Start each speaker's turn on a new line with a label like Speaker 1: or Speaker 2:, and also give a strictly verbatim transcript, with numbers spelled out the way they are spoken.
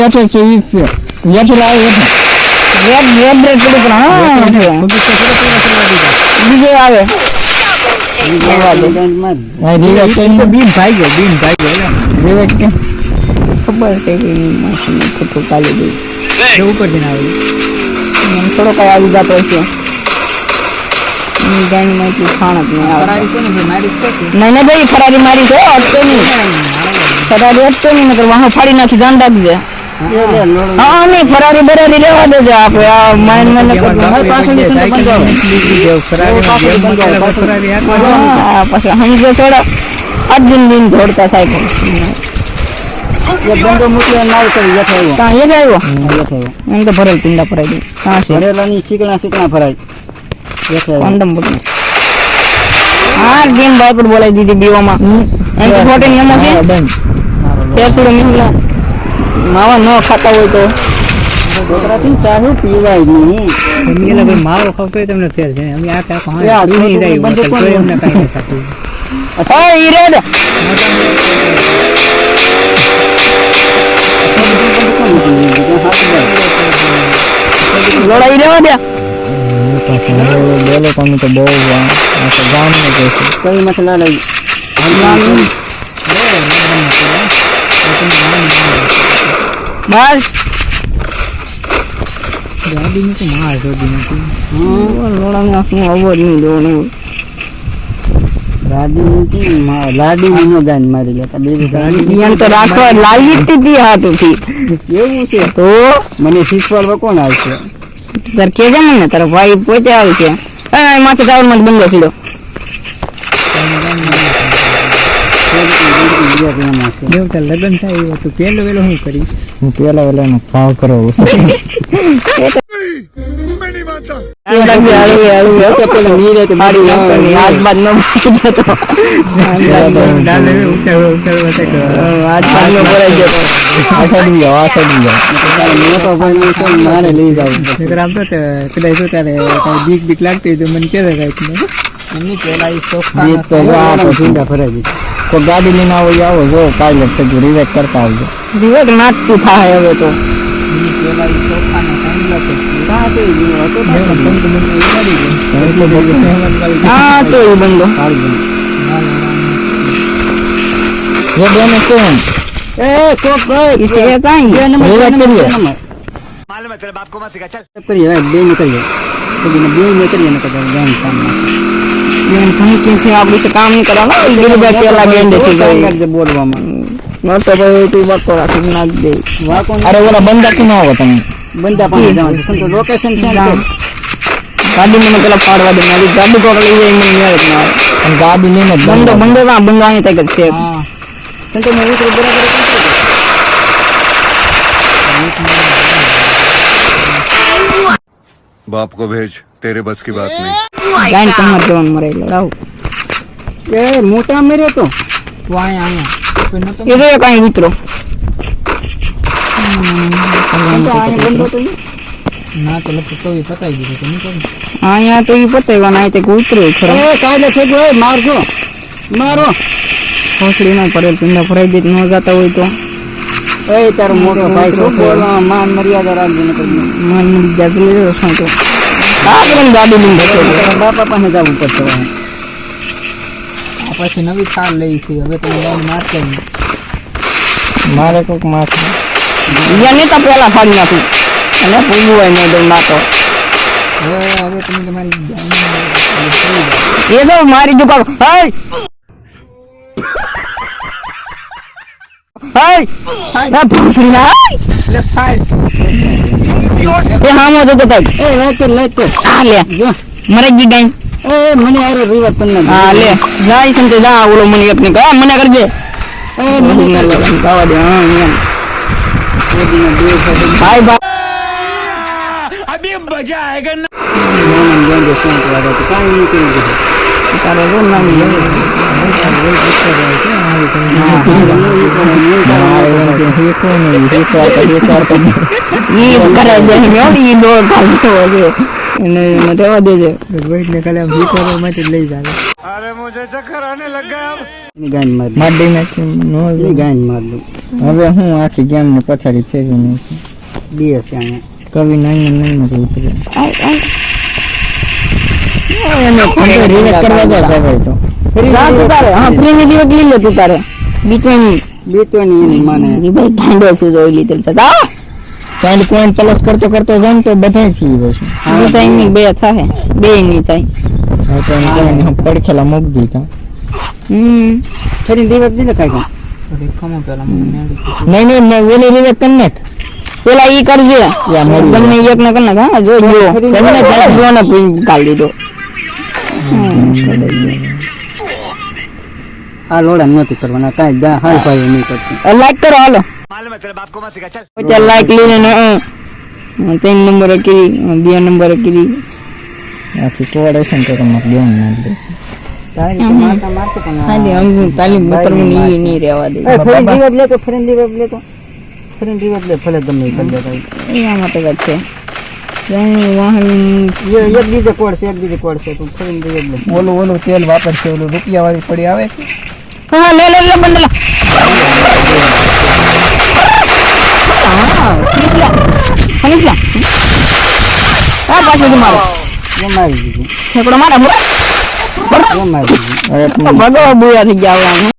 Speaker 1: Yato choice. Yato la yato. Yat yat break kilo kena. Video आवे. Video आवे. नहीं video के तो बीन भाई गए बीन भाई गए ना. Video के. खबर है कि मशीन को तो काले दे. जो ऊपर देना है. हम थोड़ा का आगे जाते हैं. नहीं जाने में कुछ खाना नहीं आ. फरारी तो नहीं मारी तो. नहीं नहीं भाई फरारी मारी तो अब तो नहीं. फरारी अब तो नहीं मतलब वहाँ फाड़ी ना की जान डाल दिया. हाँ नहीं फरारी बरारी लेवा दे जा आप यार माइन मैंने कर हमारे पास में तो बन जाओ फरारी बन जाओ फरारी हां पास हम जो थोड़ा आठ दिन दिन दौड़ता साइकिल ये बंदो मुझे मार कर ये था वो कहां ये था वो ये था वो हम तो भरल पिंडा फराई कहां से भरेला नहीं सीखना सीखना फराई ये था कंडम बोल हां गेम भाई पर बोला दीदी बीवा में हम तो फोटो नियम से फिर शुरू में मिला मावा न खाता હોય તો ગોતરાથી ચાહુ પીવાય નહીં અમે એટલે ભાઈ માવો ખાવ તો તમને ફેર છે અમે આ કા કહાં આ નહીં રહી બંધ કોણ અમને કાઈ નહીં થાતું અચ્છા ઈ રે લડાઈ રેવા દે બોલો તમે તો બહુ ગામ માં છે કઈ મસલા લઈ बस गाड़ी में तो मार दो दिन की हां लोड़ा में अपने ओवर नहीं दो नहीं गाड़ी में की मार गाड़ी में न जान मारी लेता बेबी गाड़ी यहां तो राखो लागी थी हाथ थी એવું છે તો મને શીખવાડવા કોણ આવશે તાર કે છે મને તારો ભાઈ પોતે આવે છે એ માથે ટાવર માં બંધો છેડો એવું તો લગન થાય એવું તો પેલો વેલો હું કરીશ હું પેલા વેલા નો ભાવ કરો મેની માતા એ લાગી આળું આળું તો પેલો ની રે તો મારી આજ બાદ નો જતો ડાલે ઉઠે ઉઠે વસે આજ બાદ નો બોલાઈ ગયો આસાડી ગયો આસાડી ગયો મને તો ભાઈ તો મારે લઈ જાવ ગ્રામ તો કદાઈ તો તારે કઈ બીક બીક લાગતી તો મને કે દે કઈ એમની પેલા ઈ સોફા એ તો આ તો ઢીંડા ભરાઈ ગઈ तो गाड़ी लेना हो जाओ जो काल लगते जो रिवेट करता हो रिवेट नाच तू था है वो तो ये केला इस सोफा ने कांडला तो कहां तो ये तो बंद बंद ये हां तो ये बंदो ये दोनों कौन ए कोक भाई इसे क्या है ये नंबर करिए मालूम है तेरे बाप को मत सिखा चल करिए भाई बे निकलिए तो बिना बे निकलिए ना कर जान काम ये कहीं कैसे आप भी काम नहीं करा ना दिल बैठे लगे देखो लग दे बोलवा में न तो भाई तू बात करा तू ना दे वा कौन अरे वाला बंदा क्यों ना होगा तुम बंदा पानी जाओ संतो लोकेशन सेंड कर गाड़ी में निकला फाड़वा दे मेरी गाड़ी को ले जाए मैं यार हम गाड़ी लेने बंदो बंदो का बंदो आने तक से हां संतो मैं उधर बराबर
Speaker 2: बाप को भेज तेरे बस की बात नहीं
Speaker 1: गाइन कमर जवान मरे लड़ाओ ए मोटा मेरे तो वाए आया ये तो कहीं उतरो तो आए बंदो तो ना तो लग तो ये पता ही नहीं तो नहीं कर हां यहां तो ये पता ही बनाए थे उतरो खरा ए काले से गए मार दो मारो खोसड़ी में पड़े पिंडा फराई दे न जाता होय तो ए तार मोटो भाई सो बोल मान मर्यादा राख देने कर मान मर्यादा ले रखो तो आपन गाड़ी में बैठो बापा पाने जाऊ પડશે આ પછી નવી થાર લઈ છે હવે તો લાઈન મારશે મારે કોક માર યા ને તો પેલા ફાડી નાખું અને પૂરું હોય ને દઈ નાખો હવે હવે તમે તમારી એ તો મારી દુકાન હાય हाय ना भूसड़ी ना ले फाइल ये हम हो तो तो ए लेके लेके आ ले मरे जी गई ए मने आरो रिवर पन्ना हां ले जाई संते जा बोलो मने अपने का मने कर दे ए मने ना लगा गावा दे हां ये ये दिन दे बाय बाय अभी मजा आएगा ना मन जान दे सुन तो तो काई नहीं करेंगे तारो रो ना ये ये करे जे नो ये दो काल तो એને એને રહેવા દેજે.
Speaker 3: રોહિત ને કાલે જીતવા માટે લઈ જાય.
Speaker 2: अरे मुझे चक्कर आने लग गया अब.
Speaker 3: ગાન માર
Speaker 1: માર દઈ નાખી નો
Speaker 3: ગાન માર દઉં.
Speaker 1: હવે હું આખી ગેમ ને પછાડી ફેરવી નાખી.
Speaker 3: બે છે અહીંયા.
Speaker 1: કવિ નાઈ નાઈ ને ઉતરે. એને ફોન રિવેક કરવા જા ભાઈ તો. જા તું તારે હા ફ્રી ની રિવેક લઈ લે તું તારે. બીટની
Speaker 3: બેટવાની એની માને
Speaker 1: ની ભાઈ ઠાંડો છે જોઈ લીધેલ છે. જા પોઈન્ટ પોઈન્ટ પ્લસ કરતો કરતો જાન તો બધાય થઈ જશે. આ ટાઈમ ની બે થાય બે ની થાય. હા તો એને હું પડખેલા મૂક દીધા. હમ
Speaker 3: ફરી દિવસ દીધે કાઈ કાઈ
Speaker 1: નહીં નહીં મેં ઓલી રિવેક કર નાખ. પેલા ઈ કરજે તમને એક ને કર નાખ. હા જો જો તમને જો ને કાઢ દીધો.
Speaker 3: આ લોડા નહોતી કરવાના કાઈ દા હાલ ભાઈ નહીં કરતી.
Speaker 1: લાઈક કરો હાલો.
Speaker 2: मालूम है तेरे बाप को मत सिखा चल.
Speaker 1: ચાલ લાઈક લઈને ને ત્રણ નંબર કરી બે નંબર કરી આખી કોડેશન તો તમારે લેવાનું ના દે.
Speaker 3: તારી તો મારતા મારતો પણ
Speaker 1: ખાલી અંગું તાલી બતરવું ની ની રહેવા દે.
Speaker 3: એ ફરી દિવસ લે તો ફરી દિવસ લે તો ફરી દિવસ લે ભલે ગમે એ કરી દેતા.
Speaker 1: એ આમાં તો વાત છે. એની વાહન
Speaker 3: એ એક દીધે કોડ છે એક દીધે કોડ છે તું ફરી દિવસ લે.
Speaker 1: ઓલું ઓલું તેલ વાપરશે ઓલું રૂપિયા વાળી પડી આવે. હા લે લે લે બંડલા. હા ફિનિશલા ફિનિશલા. આ પાછું મારો
Speaker 3: એ મારી દીધું
Speaker 1: ઠેકડો મારા
Speaker 3: એ મારી દીધું.
Speaker 1: ભગવા બુયા થઈ ગયા.